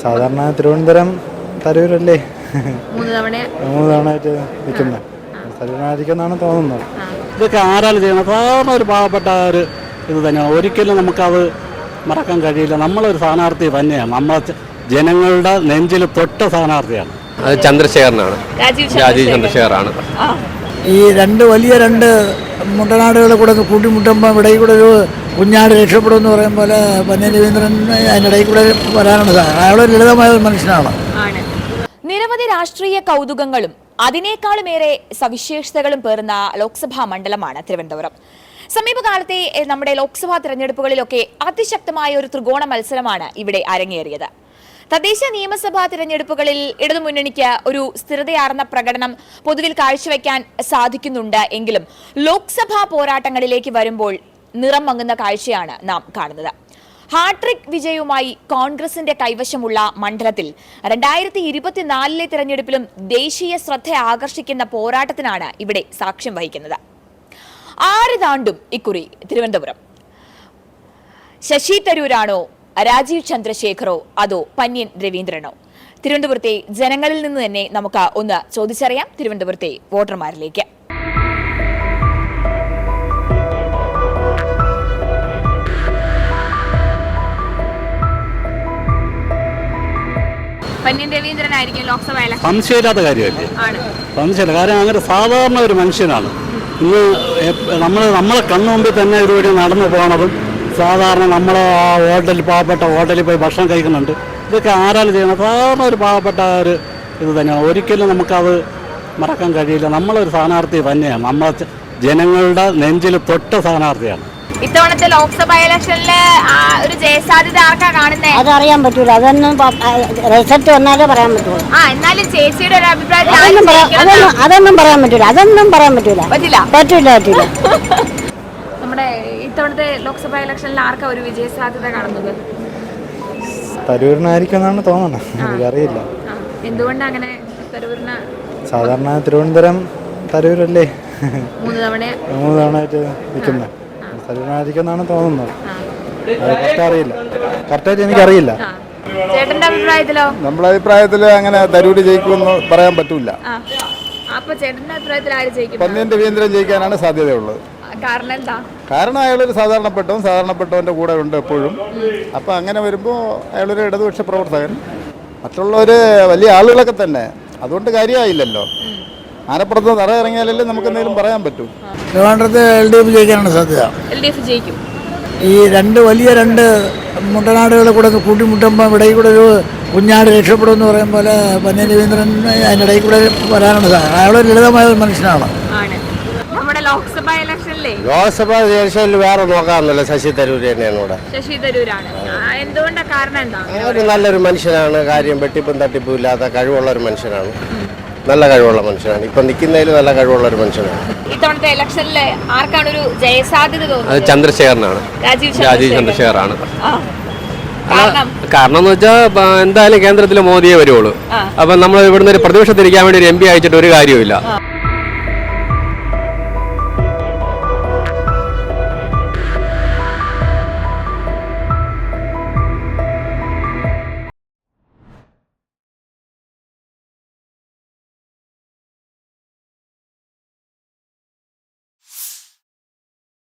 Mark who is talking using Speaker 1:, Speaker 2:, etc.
Speaker 1: സാധാരണ തിരുവനന്തപുരം തരൂരല്ലേ
Speaker 2: മൂന്ന്
Speaker 1: തവണയായിട്ട് നിൽക്കുന്നത്. തരൂരായിരിക്കുമെന്നാണ് തോന്നുന്നത്.
Speaker 3: ഇതൊക്കെ ആരാലും ചെയ്യണം. സാധാരണ ഒരു പാവപ്പെട്ട ഒരു ഇത് തന്നെയാണ്. ഒരിക്കലും നമുക്കത് മറക്കാൻ കഴിയില്ല. നമ്മളൊരു സ്ഥാനാർത്ഥി തന്നെയാണ്. നമ്മളെ ജനങ്ങളുടെ നെഞ്ചിൽ തൊട്ട സ്ഥാനാർത്ഥിയാണ്.
Speaker 4: അത് ചന്ദ്രശേഖരനാണ്. രാജീവ് ചന്ദ്രശേഖറാണ്.
Speaker 5: ഈ വലിയ രണ്ട് മുട്ടനാടുകളെ കൂടെ കൂട്ടിമുട്ടുമ്പോൾ ഇടയിൽ കൂടെ ഒരു കുഞ്ഞാട് രക്ഷപ്പെടുമെന്ന് പറയും പോലെ പന്ന്യൻ രവീന്ദ്രൻ അതിനിടയിൽ കൂടെ വരാനാണ് സാധ്യത. അയാളൊരു ലളിതമായ ഒരു മനുഷ്യനാണ്.
Speaker 2: നിരവധി രാഷ്ട്രീയ കൗതുകങ്ങളും അതിനേക്കാളുമേറെ സവിശേഷതകളും പേർന്ന ലോക്സഭാ മണ്ഡലമാണ് തിരുവനന്തപുരം. സമീപകാലത്തെ നമ്മുടെ ലോക്സഭാ തെരഞ്ഞെടുപ്പുകളിലൊക്കെ അതിശക്തമായ ഒരു ത്രികോണ മത്സരമാണ് ഇവിടെ അരങ്ങേറിയത്. തദ്ദേശ നിയമസഭാ തിരഞ്ഞെടുപ്പുകളിൽ ഇടതുമുന്നണിക്ക് ഒരു സ്ഥിരതയാർന്ന പ്രകടനം പൊതുവിൽ കാഴ്ചവെക്കാൻ സാധിക്കുന്നുണ്ട് എങ്കിലും ലോക്സഭാ പോരാട്ടങ്ങളിലേക്ക് വരുമ്പോൾ നിറം മങ്ങുന്ന കാഴ്ചയാണ് നാം കാണുന്നത്. ഹാട്രിക് വിജയവുമായി കോൺഗ്രസിന്റെ കൈവശമുള്ള മണ്ഡലത്തിൽ 2024 തിരഞ്ഞെടുപ്പിലും ദേശീയ ശ്രദ്ധ ആകർഷിക്കുന്ന പോരാട്ടത്തിനാണ് ഇവിടെ സാക്ഷ്യം വഹിക്കുന്നത്. ആര് താണ്ടും ഇക്കുറി തിരുവനന്തപുരം? ശശി തരൂരാണോ, രാജീവ് ചന്ദ്രശേഖറോ, അതോ പന്ന്യൻ രവീന്ദ്രനോ? തിരുവനന്തപുരത്തെ ജനങ്ങളിൽ നിന്ന് തന്നെ നമുക്ക് ഒന്ന് ചോദിച്ചറിയാം. തിരുവനന്തപുരത്തെ വോട്ടർമാരിലേക്ക്. പന്ന്യൻ രവീന്ദ്രനായിരിക്കും ലോക്സഭ ഇലക്ഷൻ.
Speaker 3: സംശയമില്ലാത്ത കാര്യമല്ലേ? സംശയമില്ല. കാരണം അങ്ങനെ സാധാരണ ഒരു മനുഷ്യനാണ്. ഇന്ന് നമ്മളെ കണ്ണുമുമ്പിൽ തന്നെ ഇതുവഴി നടന്നു പോകണതും സാധാരണ നമ്മൾ ആ ഹോട്ടലിൽ പാവപ്പെട്ട ഹോട്ടലിൽ പോയി ഭക്ഷണം കഴിക്കുന്നുണ്ട്. ഇതൊക്കെ ആരാലും ചെയ്യണം. സാധാരണ ഒരു പാവപ്പെട്ട ഒരു ഇത് തന്നെയാണ്. ഒരിക്കലും നമുക്കത് മറക്കാൻ കഴിയില്ല. നമ്മളൊരു സ്ഥാനാർത്ഥി തന്നെയാണ്. നമ്മളെ ജനങ്ങളുടെ നെഞ്ചിൽ തൊട്ട സ്ഥാനാർത്ഥിയാണ്.
Speaker 2: ഇത്തവണത്തെ ലോക്സഭാ ഇലക്ഷനില് ഒരു ജയസാധ്യത ആർക്കാ കാണുന്നത്?
Speaker 6: അതറിയാൻ പറ്റൂല. അതൊന്നും റിസൾട്ട് വന്നാലേ പറയാൻ പറ്റൂല.
Speaker 2: എന്നാലും ചേച്ചിയുടെ ഒരു അഭിപ്രായത്തിൽ
Speaker 6: അതൊന്നും പറയാൻ പറ്റൂല. പറ്റില്ല.
Speaker 2: നമ്മുടെ ഇത്തവണത്തെ ലോക്സഭാ ഇലക്ഷനിൽ ആർക്കാ ഒരു വിജയ സാധ്യത കാണുന്നത്?
Speaker 1: തരൂരിനായിരിക്കുമെന്നാണ് തോന്നുന്നത്. എനിക്കറിയില്ല
Speaker 2: എന്തുകൊണ്ടാണ് അങ്ങനെ തരൂരിന്.
Speaker 1: സാധാരണ തിരുവനന്തപുരം തരൂരല്ലേ
Speaker 2: മൂന്ന്
Speaker 1: തവണയായിട്ട് നിൽക്കുന്നത്. തരൂരായിരിക്കുമെന്നാണ് തോന്നുന്നത്. അറിയില്ല, കറക്റ്റായിട്ട് എനിക്കറിയില്ല.
Speaker 2: ചേട്ടന്റെ അഭിപ്രായത്തിലോ?
Speaker 7: നമ്മുടെ അഭിപ്രായത്തിൽ അങ്ങനെ തരൂര് ജയിക്കുമെന്ന് പറയാൻ പറ്റൂല.
Speaker 2: അപ്പൊ ചേട്ടന്റെ അഭിപ്രായത്തിൽ ആര് ജയിക്കും?
Speaker 7: പന്ന്യൻ രവീന്ദ്രൻ ജയിക്കാനാണ് സാധ്യതയുള്ളത്.
Speaker 2: കാരണം എന്താ?
Speaker 7: കാരണം അയാളൊരു സാധാരണപ്പെട്ടവന്റെ കൂടെ ഉണ്ട് എപ്പോഴും. അപ്പം അങ്ങനെ വരുമ്പോൾ അയാളൊരു ഇടതുപക്ഷ പ്രവർത്തകൻ. മറ്റുള്ളവർ വലിയ ആളുകളൊക്കെ തന്നെ. അതുകൊണ്ട് കാര്യമായില്ലല്ലോ. ആനപ്പുറത്ത് തറ ഇറങ്ങിയാലല്ലേ നമുക്ക് എന്തെങ്കിലും പറയാൻ പറ്റൂ.
Speaker 5: ട്രിവാൻഡ്രത്ത് LDF ജയിക്കാനാണ് സാധ്യത.
Speaker 2: LDF ജയിക്കും.
Speaker 5: ഈ വലിയ രണ്ട് മുട്ടനാടുകളെ കൂടെ കൂട്ടിമുട്ടുമ്പോൾ ഇടയിൽ കൂടെ ഒരു കുഞ്ഞാട് രക്ഷപ്പെടുമെന്ന് പറയും പോലെ പന്ന്യൻ രവീന്ദ്രൻ അതിനിടയിൽ കൂടെ വരാനാണ് സാധ്യത. അയാളൊരു ലളിതമായ ഒരു മനുഷ്യനാണ്.
Speaker 2: നമ്മുടെ ലോക്സഭാ
Speaker 4: ഇലക്ഷനിൽ വേറെ നോക്കാറില്ല. ശശി തരൂർ തന്നെയാണ് ഇവിടെ.
Speaker 2: ശശി തരൂരാണ്. എന്തുകൊണ്ടാണ്? കാരണം എന്താ?
Speaker 4: ഒരു നല്ലൊരു മനുഷ്യനാണ്. കാര്യം വെട്ടിപ്പും തട്ടിപ്പും ഇല്ലാത്ത കഴിവുള്ള ഒരു മനുഷ്യനാണ്. നല്ല കഴിവുള്ള മനുഷ്യനാണ്. ഇപ്പൊ നിൽക്കുന്നതിൽ നല്ല കഴിവുള്ള ഒരു മനുഷ്യനാണ്.
Speaker 2: ഇത്തവണത്തെ ഇലക്ഷനിൽ ആർക്കാണ് ഒരു ജയസാധ്യത തോന്നുന്നത്?
Speaker 4: അത് ചന്ദ്രശേഖരനാണ്. രാജീവ് ചന്ദ്രശേഖറാണ്. കാരണം എന്ന് വെച്ചാൽ എന്തായാലും കേന്ദ്രത്തിൽ മോദിയെ വരുവുള്ളൂ. അപ്പൊ നമ്മൾ ഇവിടുന്ന് ഒരു പ്രതിപക്ഷത്തിരിക്കാൻ വേണ്ടി ഒരു MP അയച്ചിട്ട് ഒരു കാര്യമില്ല.